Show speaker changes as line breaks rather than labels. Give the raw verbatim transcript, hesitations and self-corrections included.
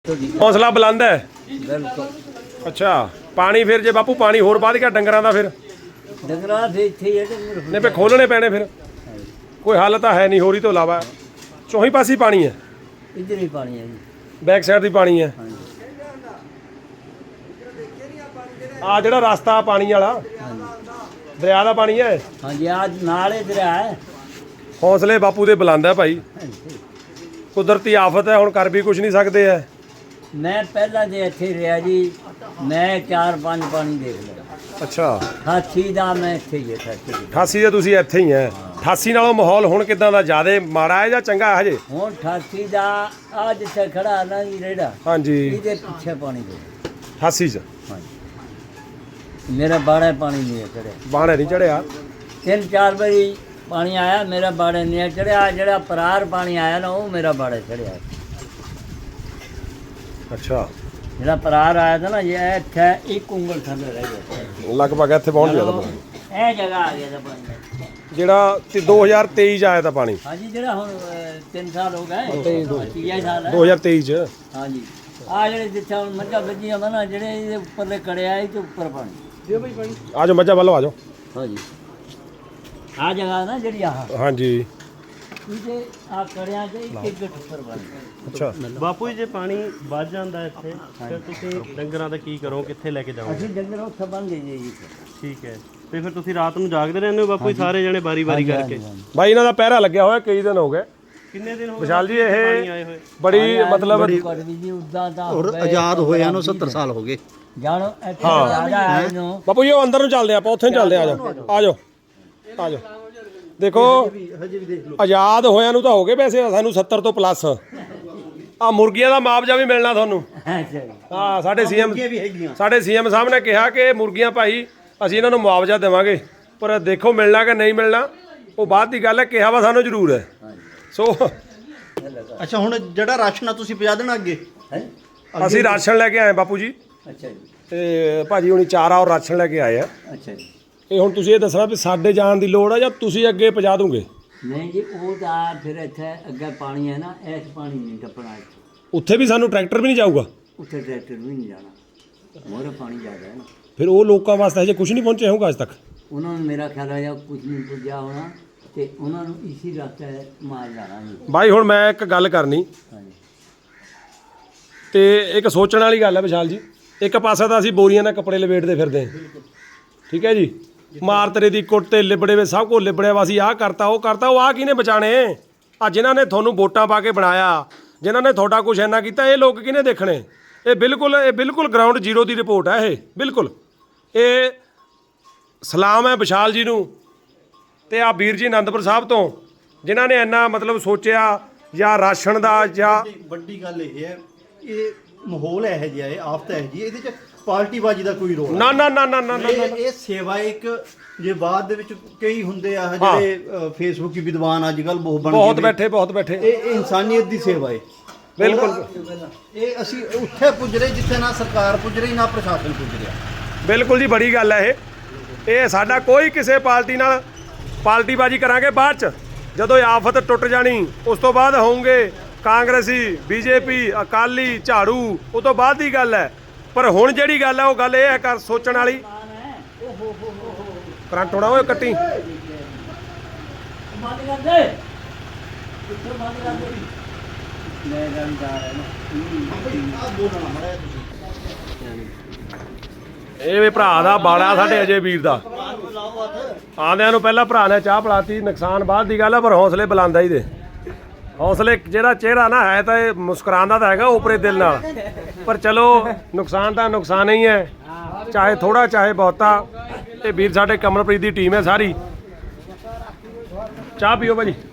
हौसला बुलंद है
बिल्कुल।
अच्छा पानी फिर जे बापू पानी होर वध गया डंगरां दा फिर
डंगरा फिर इत्थे ही है डंगर
ने पे खोलने पैने फिर कोई हल तो है नहीं होरी तो इलावा चौही पासी पानी है
इधर ही पानी है जी।
बैक साइड दी पानी है
हाँ जी।
आ जेड़ा रास्ता पानी वाला
हाँ जी।
दरिया दा पानी है
हाँ जी आज नाले दरिया है।
हौसले बापू दे बुलंद है भाई कुदरती आफत है हुण कर भी कुछ नहीं सकते है
मैं पहला जे इत्थे रहा जी मैं चार पांच पानी देख लिया।
अच्छा
अठासी दा मैं इत्थे ही है अठासी
अठासी ਦੇ ਤੁਸੀਂ ਇੱਥੇ ਹੀ ਹੈ ਅਠਾਸੀ ਨਾਲੋਂ ਮਾਹੌਲ ਹੁਣ ਕਿਦਾਂ ਦਾ ਜ਼ਿਆਦਾ ਮਾੜਾ ਹੈ ਜਾਂ ਚੰਗਾ ਹੈ ਹਜੇ
ਹੁਣ ਅਠਾਸੀ ਦਾ ਆ ਜਿੱਥੇ ਖੜਾ ਨਾ ਜੀ ਰੇੜਾ
ਹਾਂਜੀ
ਇਹਦੇ ਪਿੱਛੇ ਪਾਣੀ ਦੇ
ਅਠਾਸੀ ਚ
ਹਾਂਜੀ ਮੇਰਾ ਬਾੜਾ ਪਾਣੀ ਨਹੀਂ ਚੜਿਆ
ਬਾਣੇ ਨਹੀਂ ਚੜਿਆ
ਤਿੰਨ ਚਾਰ ਵਾਰੀ ਪਾਣੀ ਆਇਆ ਮੇਰਾ ਬਾੜਾ ਨਹੀਂ ਚੜਿਆ ਜਿਹੜਾ ਪਰਾਰ ਪਾਣੀ ਆਇਆ ਨਾ ਉਹ ਮੇਰਾ ਬਾੜਾ ਚੜਿਆ।
ਅੱਛਾ
ਜਿਹੜਾ ਪਰਾਰ ਆਇਆ ਤਾਂ ਨਾ ਇਹ ਇੱਥੇ ਇੱਕ ਉਂਗਲ ਥੱਲੇ ਰਹਿ ਗਿਆ
ਲਗਭਗ ਇੱਥੇ ਪਹੁੰਚ ਗਿਆ ਤਾਂ
ਇਹ ਜਗ੍ਹਾ ਆ ਗਿਆ ਤਾਂ ਪਾਣੀ
ਜਿਹੜਾ ਤੇ ਦੋ ਹਜ਼ਾਰ ਤੇਈ ਚ ਆਇਆ ਤਾਂ ਪਾਣੀ
ਹਾਂਜੀ ਜਿਹੜਾ ਹੁਣ ਤਿੰਨ ਸਾਲ ਹੋ ਗਏ ਤੀਜਾ ਸਾਲ ਹੈ
ਦੋ ਹਜ਼ਾਰ ਤੇਈ ਚ
ਹਾਂਜੀ ਆ ਜਿਹੜੇ ਜਿੱਥੇ ਹੁਣ ਮੱਝਾਂ ਵੱਜੀਆਂ ਵਾ ਨਾ ਜਿਹੜੇ ਇਹਦੇ ਉੱਪਰਲੇ ਕੜਿਆ ਇਹ ਤੇ ਉੱਪਰ ਪਾਣੀ ਦਿਓ ਬਈ ਪਾਣੀ
ਆ ਜਾਓ ਮੱਝਾਂ ਵੱਲੋਂ ਆ ਜਾਓ
ਹਾਂਜੀ ਆ ਜਗ੍ਹਾ ਨਾ ਜਿਹੜੀ ਆਹ
ਹਾਂਜੀ
ਇਹਦੇ ਆ ਕੜਿਆਂ ਤੇ ਇੱਕ ਇੱਕ ਉੱਪਰ ਪਾਣੀ।
ਅੱਛਾ
ਬਾਪੂ ਜੀ ਜੇ ਪਾਣੀ ਵੱਧ ਜਾਂਦਾ ਇੱਥੇ ਫਿਰ ਤੁਸੀਂ ਡੰਗਰਾਂ ਦਾ ਕੀ ਕਰੋ ਕਿੱਥੇ ਲੈ ਕੇ ਜਾਓਗੇ?
ਅਸੀਂ ਡੰਗਰ ਉੱਥੇ ਬੰਨ ਗਏ ਜੀ।
ਠੀਕ ਹੈ ਤੇ ਫਿਰ ਤੁਸੀਂ ਰਾਤ ਨੂੰ ਜਾਗਦੇ ਰਹਿੰਦੇ ਹੋ ਬਾਪੂ ਜੀ ਸਾਰੇ ਜਣੇ ਵਾਰੀ-ਵਾਰੀ ਕਰਕੇ?
ਭਾਈ ਇਹਨਾਂ ਦਾ ਪਹਿਰਾ ਲੱਗਿਆ ਹੋਇਆ ਕਈ ਦਿਨ ਹੋ ਗਏ।
ਕਿੰਨੇ ਦਿਨ ਹੋ ਗਏ
ਵਿਸ਼ਾਲ ਜੀ
ਪਾਣੀ ਆਏ
ਇਹ
ਹੋਏ?
ਬੜੀ ਮਤਲਬ
ਜੀ ਉਦਾਂ ਦਾ
ਆਜ਼ਾਦ ਹੋਇਆ ਨੂੰ ਸੱਤਰ ਸਾਲ ਹੋ ਗਏ।
ਜਾਣੋ ਇੱਥੇ ਰਾਜਾ ਆਏ ਨੂੰ
ਬਾਪੂ ਜੀ ਉਹ ਅੰਦਰ ਨੂੰ ਚੱਲਦੇ ਆਪਾਂ ਉੱਥੇ ਨੂੰ ਚੱਲਦੇ ਆ ਜਾਓ ਆ ਜਾਓ ਆ ਜਾਓ ਦੇਖੋ ਆਜ਼ਾਦ ਹੋਇਆਂ ਨੂੰ ਤਾਂ ਹੋ ਗਏ ਵੈਸੇ ਸਾਨੂੰ ਸੱਤਰ ਤੋਂ ਪਲੱਸ ਆ ਮੁਰਗੀਆਂ ਦਾ ਮੁਆਵਜ਼ਾ ਵੀ ਮਿਲਣਾ ਤੁਹਾਨੂੰ ਹਾਂ ਸਾਡੇ ਸੀਐਮ ਸਾਡੇ ਸੀਐਮ ਸਾਹਿਬ ਨੇ ਕਿਹਾ ਕਿ ਮੁਰਗੀਆਂ ਭਾਈ ਅਸੀਂ ਇਹਨਾਂ ਨੂੰ ਮੁਆਵਜ਼ਾ ਦੇਵਾਂਗੇ ਪਰ ਦੇਖੋ ਮਿਲਣਾ ਕਿ ਨਹੀਂ ਮਿਲਣਾ ਉਹ ਬਾਅਦ ਦੀ ਗੱਲ ਹੈ ਕਿਹਾ ਵਾ ਸਾਨੂੰ ਜ਼ਰੂਰ ਹੈ ਸੋ
ਅੱਛਾ ਹੁਣ ਜਿਹੜਾ ਰਾਸ਼ਨ ਆ ਤੁਸੀਂ ਪਜਾ ਦੇਣਾ ਅੱਗੇ
ਅਸੀਂ ਰਾਸ਼ਨ ਲੈ ਕੇ ਆਏ ਬਾਪੂ ਜੀ
ਅੱਛਾ ਜੀ
ਤੇ ਭਾਜੀ ਹੁਣੀ ਚਾਰਾ ਔਰ ਰਾਸ਼ਨ ਲੈ ਕੇ ਆਏ ਆ
ਅੱਛਾ ਜੀ
ਇਹ ਹੁਣ ਤੁਸੀਂ ਇਹ ਦੱਸਣਾ ਵੀ ਸਾਡੇ ਜਾਣ ਦੀ ਲੋੜ ਆ ਜਾਂ ਤੁਸੀਂ ਅੱਗੇ ਪਹੁੰਚਾ ਦੋਗੇ
ਨਹੀਂ ਜੀ ਉਹ ਤਾਂ ਫਿਰ ਇੱਥੇ ਅੱਗੇ ਪਾਣੀ ਹੈ ਨਾ ਇਸ ਪਾਣੀ ਨਹੀਂ ਟੱਪਣਾ
ਉੱਥੇ ਵੀ ਸਾਨੂੰ ਟਰੈਕਟਰ ਵੀ ਨਹੀਂ ਜਾਊਗਾ
ਉੱਥੇ ਟਰੈਕਟਰ ਵੀ ਨਹੀਂ ਜਾਣਾ ਮੋਰੇ ਪਾਣੀ ਜ਼ਿਆਦਾ ਹੈ ਨਾ
ਫਿਰ ਉਹ ਲੋਕਾਂ ਵਾਸਤੇ ਹਜੇ ਕੁਝ ਨਹੀਂ ਪਹੁੰਚਿਆ ਹੋਊਗਾ ਅੱਜ ਤੱਕ
ਉਹਨਾਂ ਨੂੰ ਮੇਰਾ ਖਿਆਲ ਹੈ ਕੁਝ ਨਹੀਂ ਪੁੱਜਿਆ ਹੋਣਾ ਤੇ ਉਹਨਾਂ ਨੂੰ ਇਸੀ ਰਸਤੇ ਮਾਰ ਜਾਣਾ ਜੀ।
ਬਾਈ ਹੁਣ ਮੈਂ ਇੱਕ ਗੱਲ ਕਰਨੀ
ਹਾਂਜੀ
ਤੇ ਇੱਕ ਸੋਚਣ ਵਾਲੀ ਗੱਲ ਹੈ ਵਿਸ਼ਾਲ ਜੀ ਇੱਕ ਪਾਸੇ ਤਾਂ ਅਸੀਂ ਬੋਰੀਆਂ ਨਾਲ ਕੱਪੜੇ ਲਪੇਟਦੇ ਫਿਰਦੇ ਹਾਂ ਠੀਕ ਹੈ ਜੀ ਮਾਰ ਤੇਰੇ ਦੀ ਕੁੱਟ ਤੇ ਲਿਬੜੇ ਵੇ ਸਭ ਕੁਝ ਲਿਬੜਿਆ ਵਾ ਅਸੀਂ ਆਹ ਕਰਤਾ ਉਹ ਕਰਤਾ ਉਹ ਆਹ ਕਿਹਨੇ ਬਚਾਣੇ ਆ ਜਿਨ੍ਹਾਂ ਨੇ ਤੁਹਾਨੂੰ ਵੋਟਾਂ ਪਾ ਕੇ ਬਣਾਇਆ ਜਿਨ੍ਹਾਂ ਨੇ ਤੁਹਾਡਾ ਕੁਛ ਇੰਨਾ ਕੀਤਾ ਇਹ ਲੋਕ ਕਿਹਨੇ ਦੇਖਣੇ ਇਹ ਬਿਲਕੁਲ ਇਹ ਬਿਲਕੁਲ ਗਰਾਊਂਡ ਜ਼ੀਰੋ ਦੀ ਰਿਪੋਰਟ ਹੈ ਇਹ ਬਿਲਕੁਲ ਇਹ ਸਲਾਮ ਹੈ ਵਿਸ਼ਾਲ ਜੀ ਨੂੰ ਤੇ ਆ ਵੀਰ ਜੀ ਅਨੰਦਪੁਰ ਸਾਹਿਬ ਤੋਂ ਜਿਨ੍ਹਾਂ ਨੇ ਇੰਨਾ ਮਤਲਬ ਸੋਚਿਆ ਜਾਂ ਰਾਸ਼ਨ ਦਾ ਜਾਂ
ਵੱਡੀ ਗੱਲ ਇਹ ਹੈ ਇਹ ਮਾਹੌਲ ਇਹੋ ਜਿਹਾ ਹੈ ਆਫਤ ਹੈ ਜੀ ਇਹਦੇ ਚ ਪਾਰਟੀਬਾਜ਼ੀ ਦਾ ਕੋਈ ਰੋਲ
ਨਾ ਨਾ ਨਾ ਨਾ ਨਾ
ਇਹ ਇਹ ਸੇਵਾ ਇੱਕ ਜੇ ਬਾਅਦ ਦੇ ਵਿੱਚ ਕਈ ਹੁੰਦੇ ਆ ਜਿਹੜੇ ਫੇਸਬੁੱਕ ਦੀ ਵਿਦਵਾਨ ਅੱਜ ਕੱਲ ਬਹੁਤ ਬਣ ਗਏ
ਬਹੁਤ ਬੈਠੇ ਬਹੁਤ ਬੈਠੇ
ਇਹ ਇਨਸਾਨੀਅਤ ਦੀ ਸੇਵਾ ਹੈ
ਬਿਲਕੁਲ
ਇਹ ਅਸੀਂ ਉੱਥੇ ਪੁੱਜ ਰਹੇ ਜਿੱਥੇ ਨਾ ਸਰਕਾਰ ਪੁੱਜ ਰਹੀ ਨਾ ਪ੍ਰਸ਼ਾਸਨ ਪੁੱਜ ਰਿਹਾ
ਬਿਲਕੁਲ ਜੀ ਬੜੀ ਗੱਲ ਹੈ ਇਹ ਇਹ ਸਾਡਾ ਕੋਈ ਕਿਸੇ ਪਾਰਟੀ ਨਾਲ ਪਾਰਟੀਬਾਜ਼ੀ ਕਰਾਂਗੇ ਬਾਅਦ ਚ ਜਦੋਂ ਇਹ ਆਫਤ ਟੁੱਟ ਜਾਣੀ ਉਸ ਤੋਂ ਬਾਅਦ ਹੋਣਗੇ ਕਾਂਗਰਸੀ ਬੀਜੇਪੀ ਅਕਾਲੀ ਝਾੜੂ ਉਹ ਤੋਂ ਬਾਅਦ ਦੀ ਗੱਲ ਹੈ ਪਰ ਹੁਣ ਜਿਹੜੀ ਗੱਲ ਹੈ ਉਹ ਗੱਲ ਇਹ ਹੈ ਕਰ ਸੋਚਣ ਵਾਲੀ ਕਰੰਟ ਹੋਣਾ ਓਏ ਕੱਟੀ ਇਹ ਵੀ ਭਰਾ ਦਾ ਬਾੜਾ ਸਾਡੇ ਅਜੇ ਵੀਰ ਦਾ ਆਂਦਿਆਂ ਨੂੰ ਪਹਿਲਾਂ ਭਰਾ ਨੇ ਚਾਹ ਪਿਲਾਤੀ ਨੁਕਸਾਨ ਬਾਅਦ ਦੀ ਗੱਲ ਹੈ ਪਰ ਹੌਸਲੇ ਬੁਲੰਦ ਆ ਇਹਦੇ ਹੌਸਲੇ ਜਿਹੜਾ ਚਿਹਰਾ ਨਾ ਹੈ ਤਾਂ ਇਹ ਮੁਸਕਰਾਉਂਦਾ ਤਾਂ ਹੈਗਾ ਉਪਰੇ ਦਿਲ ਨਾਲ ਪਰ ਚਲੋ ਨੁਕਸਾਨ ਤਾਂ ਨੁਕਸਾਨ ਹੀ ਹੈ ਚਾਹੇ ਥੋੜਾ ਚਾਹੇ ਬਹੁਤਾ ਇਹ ਵੀਰ ਸਾਡੇ ਕਮਲਪ੍ਰੀਤ ਦੀ ਟੀਮ ਹੈ ਸਾਰੀ ਚਾਹ ਪੀਓ ਭਾਜੀ।